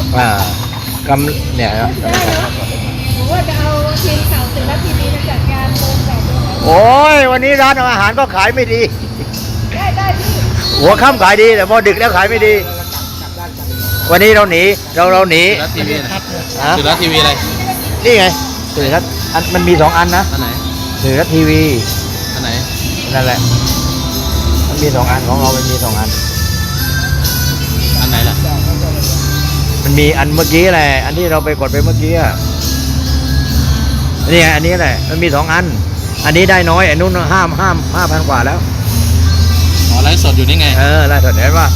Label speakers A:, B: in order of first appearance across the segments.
A: กำเนี่ยครับ
B: ผมว่าจะเอาทีมข่าวสื่อรัฐทีวีมาจัดงานโดนแบบ
A: โอ้ยวันนี้ร้านอาหารก็ขายไม่ดี
B: ได้พี่
A: หัวค่ำขายดีแต่พอดึกแล้วขายไม่ดีวันนี้เราหนีเราหนี
C: สื่อรัฐทีวีสื่อรัฐทีวีอะไร
A: นี่ไงสื่อรัฐมันมี2 อันนะ
C: อันไหน
A: สื่อรัฐทีวี
C: อันไหน
A: นั่นแหละมันมี2 อันของเรามันมี2 อัน
C: อันไหนล่ะ
A: มันมีอันเมื่อกี้แหละอันที่เราไปกดไปเมื่อกี้นี่ไงอันนี้แหละมันมี2 อันอันนี้ได้น้อยอันนู้น5,000 กว่าแล้ว
C: อ๋อไลฟ์สดอยู่นี่ไง
A: ไลฟ์สดเห็นป่ะ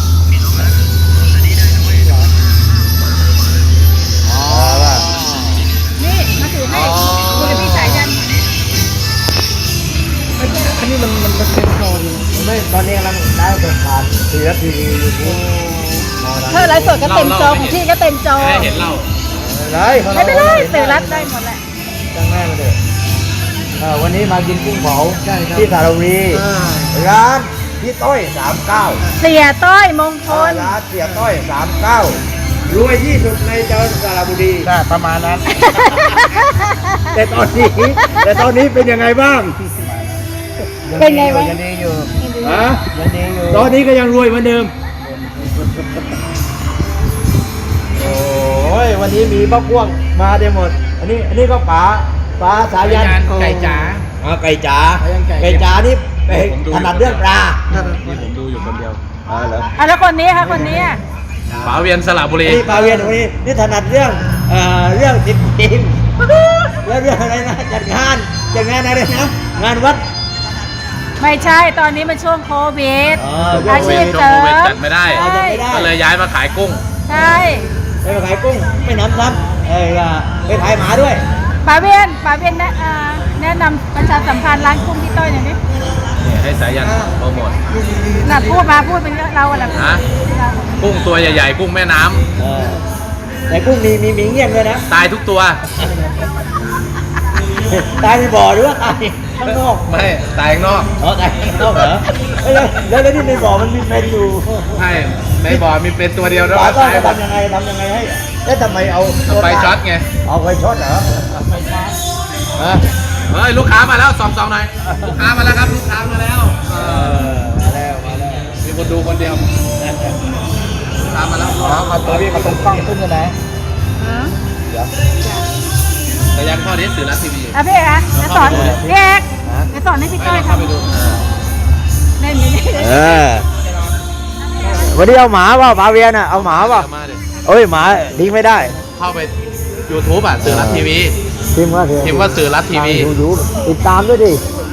B: นี่มาถือให้คุณพี่สายยัน
A: อันนี้มันเป็นตอนไม่ตอนนี้กำลังได้เปิดผ่านสื่อรัฐทีวียูทูบ
B: ถ้าไลฟ์สดก็เต็มจอของพี่ก็เต็มจอ
C: ให้เห็นเล่า
B: ไม่เป็นไรสื่อรัฐได้หมดแหละ
A: ตั้งแม่มาเลยวันนี้มากินกุ้งเผาที่สระบุรีร้านพี่ต้อย39
B: เสียต้อยมงคล
A: ร้านเสียต้อย39รวยที่สุดในจังหวัดสระบุรีประมาณนั้นแต่ตอนนี้เป็นยังไงบ้าง
B: เป็นไงบ้าง
A: ยังดีอยู่ยังดีอยู่ตอนนี้ก็ยังรวยเหมือนเดิมโอ้ยวันนี้มีบ้าพ่วงมาได้หมดอันนี้ก็ป๋าสายัน
C: ไก่จ๋า
A: ไก่จ๋านี่ถนัดเรื่องปลา
C: นี่ผมดูอยู่คนเดียว
A: เหรอ
B: แล้วคนนี้ค่ะคนนี้
C: ป๋าเวียนสระบุรี
A: ป๋าเวียนคนนี้นี่ถนัดเรื่องติดทีมแล้วเรื่องอะไรนะจัดงานอะไรนะงานวัด
B: ไม่ใช่ตอนนี้มันช่วงโควิดอาชีพ
C: เสริมจัดไม่ได้ก็เลยย้ายมาขายกุ้ง
B: ใช่
A: ไปขายกุ้งไม่น้ำไปขายหมาด้วย
B: ป๋าเวียนแนะนำประชาสัมพันธ์ร้านกุ้งพี่ต้อยหน่อยดิ
C: ให้สายันโปรโมท
B: พูดเป็นเราอะไร
C: กุ้งตัวใหญ่ๆกุ้งแม่น้ำ
A: แต่กุ้งมีเงี้ยนด้วยนะ
C: ตายทุกตัว
A: ตายในบ่อหรือว่าตายข้างนอก
C: ไม่ตายข้างนอก
A: ตายข้างนอกเหรอแล้วที่ในบ่อมันมีเป็นอยู่
C: ใช่ในบ่อมีเป็นตัวเดียวแล้ว
A: ตายทำยังไงให้แล้วทำไมเอา
C: ไฟช็อตไง
A: เอาไฟช็อตเหรอ
C: เฮ้ยลูกค้ามาแล้วสองหน่อยลูกค้ามาแล้วครับลูกค้ามาแล้ว
A: มาแล้ว
C: มีคนดูคนเดียวลูกค้ามาแล้ว
A: มาตัวพี่มาตรงกล้องขึ้นยังไง
C: แต่ยังข้อนี้สื่อรัฐทีวี
B: พี่เอกจะสอนพี่เอกจะสอนให้พี่ต้อยทำเล่น
A: วันนี้เอาหมาป่ะป๋าเวียนเอาหมาป่ะเอ้ยหมาทิ้งไม่ได้
C: เข้าไป YouTube สื่อรัฐทีวีพิมพ์ว่าสื่อรัฐทีวี
A: ติดตามด้วยดิ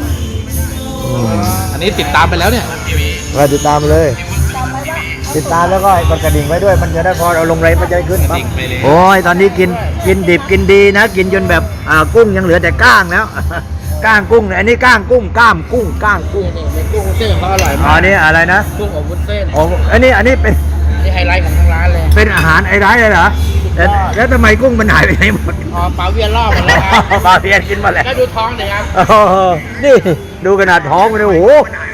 C: อันนี้ติดตามไปแล้วเนี่ย
A: ติดตามเลยติดตามแล้วก็กดกระดิ่งไว้ด้วยมันจะได้พอเอาลงไรมันจะขึ้นปั๊บโอ้ยตอนนี้กินดิบกินดีนะกินจนแบบกุ้งยังเหลือแต่ก้างแล้วก้างกุ้งอันนี้ก้างกุ้งก้ามกุ้งก้างกุ้ง
C: นี่กุ้งเส้นเขาอร่อยมาก
A: นี่อะไรนะ
C: กุ้งอบวุ้นเส้น
A: อันนี้เป็น
C: ไฮไลท์ของทางร้านเลย
A: เป็นอาหารไฮไลท์เลยเหรอแล้วทำไมกุ้งมันหายไปไหนหมด
C: ป๋าเวียนล่อมาแล้ว
A: ป๋าเวียนกินมาแล้ว
C: ดูท้องหน่อยครับ
A: นี่ดูขนาดท้องมันโอ้โห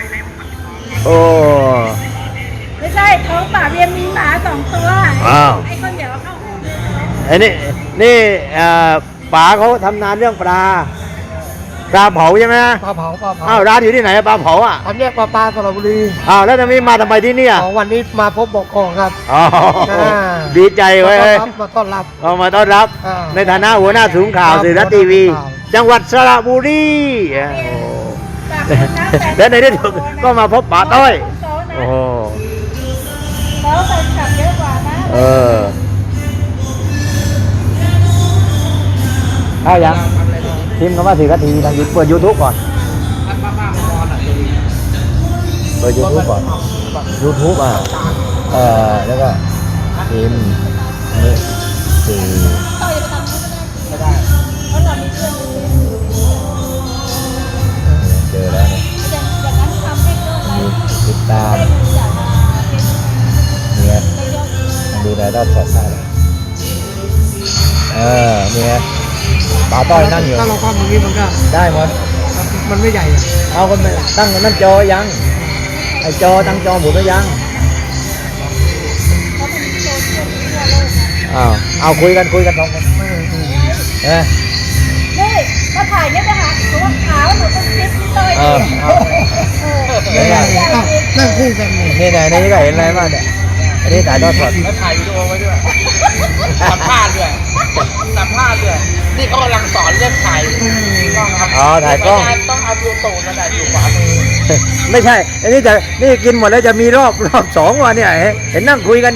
B: ไม่ใช่ท้องป๋าเวียนมีหมา2 ตัวไอ้คนเดี๋ยวเข้า
A: ไอ้นี่ป๋าเขาทำนานเรื่องปลาเผาใช่ไหม
D: ปลาเผา
A: ร้านอยู่ที่ไหนปลาเผา
D: ทำแยกปลาสระบุรี
A: แล้วทำไมมาทำไมที่นี่
D: วันนี้มาพบบอกกองครับ
A: ดีใจไว้
D: มาต้อนรับ
A: มาต้อนรับในฐานะหัวหน้าศูนย์ข่าวสื่อรัฐทีวีจังหวัดสระบุรีและในที่สุดก็มาพบป๋าต้อยโอ้โห
B: แล้วแฟนคลับเยอะกว่านะ
A: ถ้ายังพิมพ์คำว่าสื่อรัฐทีวีทางเปิด YouTube ก่อนเปิด YouTube ก่อน YouTube แล้วก็พิมพ์นี่สื่อ
B: ไม่ได้เพราะเรามีเพื่อน
A: เจอแล้วเนี่ยติดตามเนี่ยดูรายได้สดได้เนี่ยป๋าต้อยนั่งอยู่
D: ถ้าเราคว่ำตรงนี้มันก็
A: ได้หมด
D: มันไม่ใหญ่
A: เอาคนตั้งนั่นจอยังไอจอตั้งจอหมดแล้วยังอ้าวเอาคุยกันสองคนเออ
B: นี่มาถ่ายเนี่ยไปหาหนูว่าขาวหนูเป็นซิปพี่เต้ย
A: เออ
D: นั่งคู่กันนี่
A: นี่ไหนนี่ก็เห็นอะไรบ้างเนี่ยอันนี้ถ่ายทอดสด
C: แล้วถ่ายวิดีโอไว้ด้วยสัมภาษณ์ด้วยนี่เขากำลังสอนเรื่องถ่ายกล้องครับ
A: อ๋อถ่ายกล้อง
C: ต้องเอาดูตูดนั่นแหละอยู่ขวามือ
A: ไม่ใช่ อันนี้จะนี่กินหมดแล้วจะมีรอบสองวันเนี่ยเห็นนั่งคุยกัน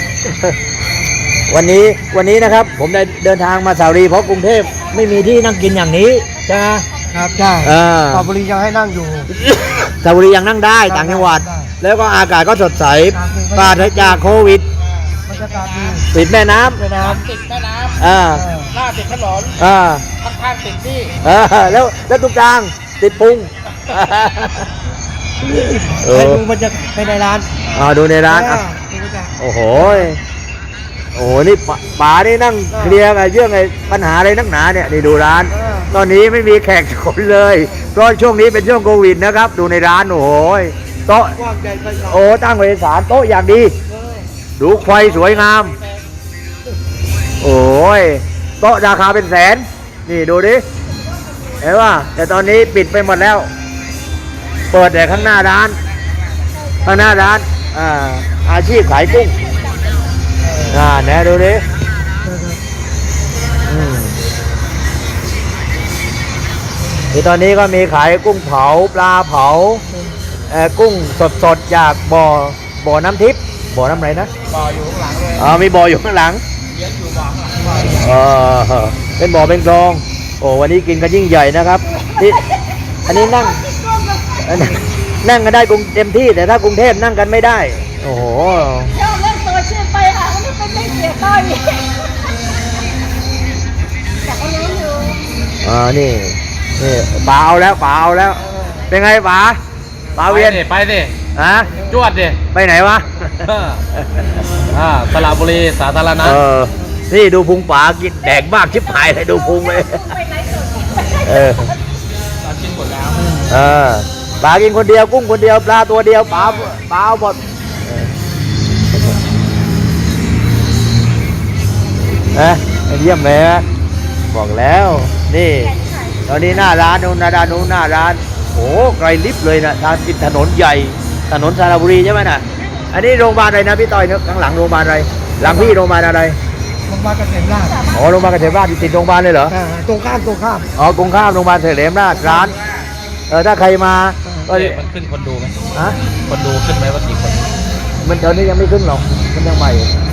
A: วันนี้นะครับ ผมได้เดินทางมาสาวรีเพราะกรุงเทพไม่มีที่นั่งกินอย่างนี้ใช่ไหม
D: ครับใช่
A: อ่า
D: ปอบุรียังให้นั่งอยู่
A: สาวรียังนั่งได้ต่างจังหวัด
D: ได้
A: แล้วก็อากาศก็สดใสปราศจากโควิด
D: บรรยากาศดี
A: ปิดแม่น้
D: แม่น้
C: ติดแม่น้
A: ำอ่า
C: ำหน้าติดถนน
A: อ่า
C: ข้างๆติดนี่
A: แล้วตรงกลางติดพุง
D: ำให้ดูบรรยากาศภายในร้าน
A: ดูในร้านอ่ะ
D: ดูบรรยากาศ
A: โอ้โหนี่ป๋านี่นั่งเคลียร์กับเรื่องไอ้ปัญหาอะไรนักหนาเนี่ยนี่ดูร้าน ตอนนี้ไม่มีแขกคนเลยเพราะช่วงนี้เป็นช่วงโควิดนะครับ ดูในร้านโอ้โหโต๊ะ
D: กว้างใหญ่ไพศาล
A: โอ้ตั้งไว้ศาลโต๊ะอย่างดี ดูไฟสวยงาม โอ้ยโต๊ะราคาเป็นแสน นี่ดูดิเห็นว่าแต่ตอนนี้ปิดไปหมดแล้ว เปิดแต่ข้างหน้าร้านอาชีพขายกุ้งแน่ดูดิที่ตอนนี้ก็มีขายกุ้งเผาปลาเผากุ้งสดๆจากบ่อน้ำทิพย์บ่อน้ำอะไรนะ
C: บ่ออยู่ข้างหลังเลย
A: มีบ่ออยู่ข้างหลัง
C: เยอะอยู่บ่อข้างหลัง
A: เป็นบ่อเป็นคลอง โอ้วันนี้กินกันยิ่งใหญ่นะครับนี่อันนี้นั่งกันได้กรุงเต็มที่แต่ถ้ากรุงเทพนั่งกันไม่ได้ โอ้โห
B: ชอบเล่นโซเชียลไปค่ะมันไม่เป็นไม่เสียต้อยแต่ก็รู้อยู่
A: นี่ป๋าเอาแล้ว เป็นไงป๋าเวียน
C: ไปดิ
A: ฮะ
C: จวดดิ
A: ไปไหนวะ
C: สระบุรีสาธารณะ
A: นี่ดูพุงป๋ากินแดกมากชิบหายเลยดูพุงเลย
B: ไปไหนสุด
C: เราชิมหมดแล้ว
A: ป๋ากินคนเดียวกุ้งคนเดียวปลาตัวเดียวป๋าเอาหมดเยี่ยมเลยนะบอกแล้วนี่ตอนนี้หน้าร้านนู้นหน้าร้านโอ้ไกลลิบเลยนะทางติดถนนใหญ่ถนนสระบุรีใช่ไหมน่ะอันนี้โรงพยาบาลอะไรนะพี่ต้อยข้างหลังโรงพยาบาลอะไรหลังพี่โรงพยาบาลอะไร
D: โรงพยาบาลเกษมราช
A: อ๋อโรงพยาบาลเกษมราชติดโรงพยาบาลเลยเหรอ
D: ตรงข้าม
A: อ๋อกรุงข้ามโรงพยาบาลเกษมราชร้านถ้าใครมาก็
C: มันขึ้นคนดูไหม
A: ฮะ
C: คนดูขึ้นไหมว่ากี่คน
A: มันตอนนี้ยังไม่ขึ้นหรอกมันยังใหม่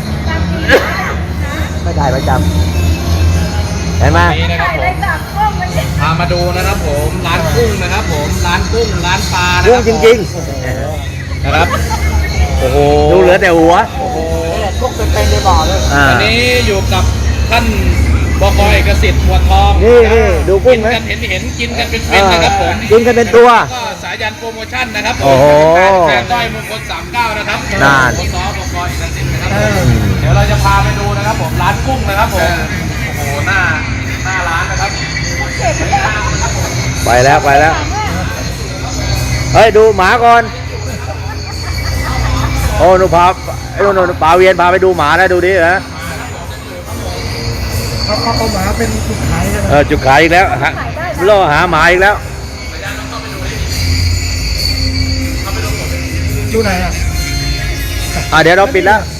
A: ไม่ได้ประจำเห็นไหม
C: นี่นะครับผม
B: จากกล้องมันเนี่ย
C: พามาดูนะครับผมร้านกุ้งนะครับผมร้านกุ้งร้านปลานะค
A: กุ้
C: รั
A: ง
C: บ
A: จริง
C: นะครับโอ้โห
A: ๆ ดูเหลือแต่หัว
C: โอ้โห
D: พวกเป็นในบ่อเลย
C: อันนี้อยู่กับท่านบก.เอกสิทธิ์บัวทอง
A: นี่ดูกุ้
C: กิ
A: ง
C: น
A: ไหม
C: กันเห็นกินกันเป็นๆนะครับผม
A: กินกันเป็นตัว
C: ก็สายันโปรโมชั่นนะครับผม
A: โอ้โห
C: แฟนต้อยมงคล39นะครับ
A: นั่น
C: บก.บก.เอกสิทธิ์นะครับเดี๋ยวเราจะพาไปดูนะครับผมร้านกุ้งนะครับผมโอ้โหหน้าร้านนะครับ
A: ไปแล้วเฮ้ยดูหมาก่อนโอ้หนูพาไอ้หนูป่าเวียนพาไปดูหมานะดูดิฮะ
D: เอาหมาเป็นจุดขายกันนะ
A: จุดขายอีกแล้วล่อหาหมาอีกแล้ว
D: ดูไหนอ่ะ
A: เดี๋ยวเราปิดแล้ว